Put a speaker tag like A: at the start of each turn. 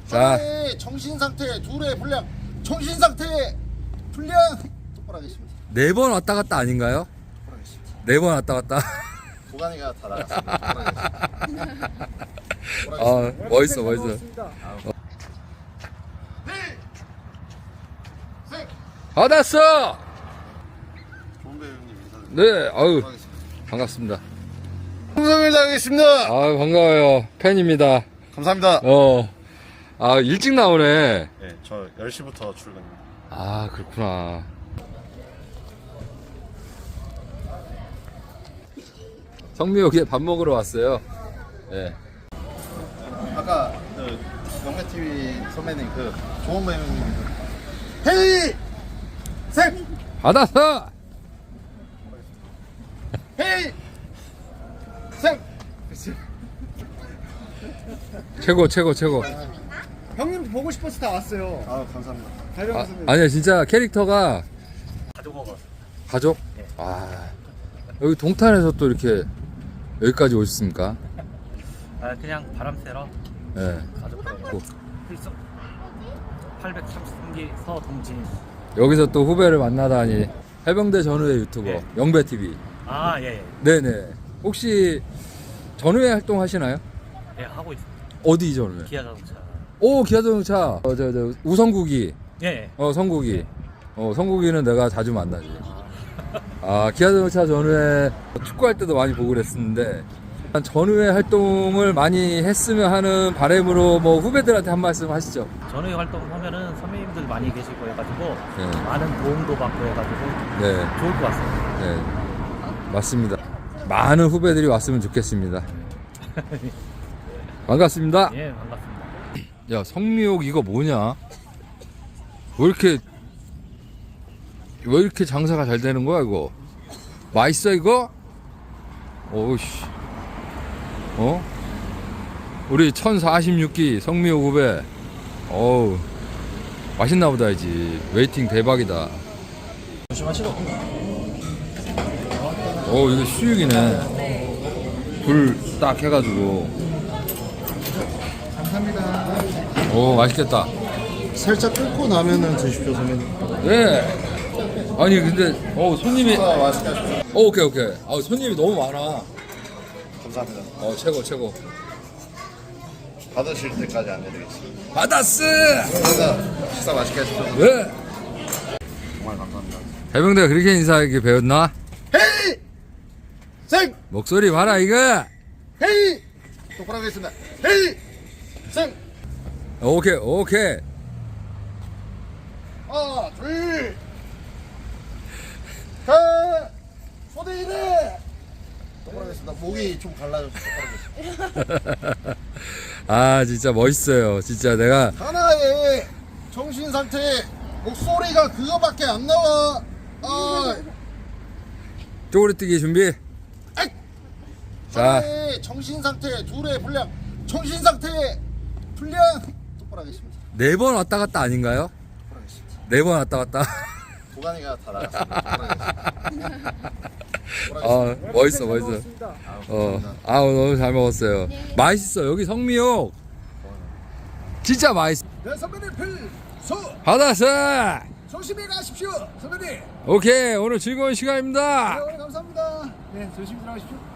A: 자,
B: 하나의 정신상태, 둘의 분량, 정신상태 분량 똑바로 하겠습니다.
A: 4번 왔다 갔다 아닌가요?
B: 똑바로 하겠습니다.
A: 4번 왔다 갔다.
B: 도가니가 다 나갔습니다. 똑바로 하겠습니다.
A: 멋있어, 멋있어. 받았어!
B: 좋은 배우님 인사드립니다.
A: 네, 아유,
B: 하겠습니다.
A: 반갑습니다.
B: 홍성일 당했습니다.
A: 아유, 반가워요. 팬입니다.
B: 감사합니다.
A: 일찍 나오네.
B: 네, 저 10시부터 출근입니다.
A: 아, 그렇구나. 성미옥에 밥 먹으러 왔어요. 네.
B: 아까 영매TV 선배님 좋은 배우님 헤이! 생!
A: 받았어!
B: 헤이! 생!
A: 최고, 최고, 최고.
C: 형님 보고 싶어서 다 왔어요.
B: 아 감사합니다.
C: 달병 선배님.
A: 아니야, 진짜 캐릭터가
C: 가져가.
A: 가족? 여기 동탄에서 또 이렇게 여기까지 오셨습니까?
D: 그냥 바람 쐬러
A: 네.
D: 가족들하고 필수 833기 서동진.
A: 여기서 또 후배를 만나다니. 해병대 전후의 유튜버
D: 예.
A: 영배TV.
D: 예.
A: 네네. 혹시 전후회 활동하시나요?
D: 예, 하고 있습니다.
A: 어디 전후회?
D: 기아 자동차.
A: 오, 기아자동차. 저 우성국이.
D: 예.
A: 성국이. 성국이는 내가 자주 만나지. 기아자동차 전후에 축구할 때도 많이 보고 그랬었는데, 전후에 활동을 많이 했으면 하는 바람으로 뭐 후배들한테 한 말씀 하시죠.
D: 전후에 활동하면은 선배님들 많이 계시고 해가지고
A: 네.
D: 많은 도움도 받고 해가지고
A: 네,
D: 좋을 것 같습니다.
A: 네. 맞습니다. 많은 후배들이 왔으면 좋겠습니다. 반갑습니다.
D: 예, 반갑습니다.
A: 야, 성미옥 이거 뭐냐? 왜 이렇게 장사가 잘 되는 거야, 이거? 맛있어, 이거? 오우씨. 우리 1046기 성미옥 후배. 어우, 맛있나 보다, 이지. 웨이팅 대박이다.
B: 조심하시고.
A: 이거 수육이네. 불 딱 해가지고.
B: 감사합니다.
A: 맛있겠다.
B: 살짝 끓고 나면은 드십시오 선배님.
A: 네. 아니, 근데, 손님이.
B: 맛있게 하십시오.
A: 오케이. 손님이 너무 많아.
B: 감사합니다.
A: 최고, 최고.
B: 받으실 때까지 안 해드리겠습니다.
A: 받았어!
B: 감사합니다. 식사 맛있게 하십시오.
A: 네.
B: 정말 감사합니다.
A: 해병대가 그렇게 인사하게 배웠나?
B: 헤이! 생!
A: 목소리 봐라, 이거!
B: 헤이! 똑바로 하겠습니다. 헤이! 생!
A: 오케이.
B: 하나, 둘, 셋, 손에 이래. 똑바로 하겠습니다. 목이 좀 갈라져서 똑바로 하겠습니다.
A: 진짜 멋있어요. 진짜 내가.
B: 하나의 정신 상태, 목소리가 그거밖에 안 나와.
A: 쪼그리뛰기 준비. 자,
B: 하나의 정신 상태, 둘의 분량, 정신 상태 분량 똑바로 하겠습니다.
A: 4번 왔다 갔다 아닌가요?
B: 똑바로 하겠습니다.
A: 4번 왔다 갔다.
B: 도가니가 다 나갔습니다.
A: 멋있어. 너무 잘 먹었어요. 맛있어. 여기 성미옥. 진짜 맛있어.
C: 네 선배님 필수
A: 받았어!
C: 조심히 가십시오 선배님.
A: 오케이. 오늘 즐거운 시간입니다.
C: 오늘 감사합니다. 네 조심히 들어가십시오.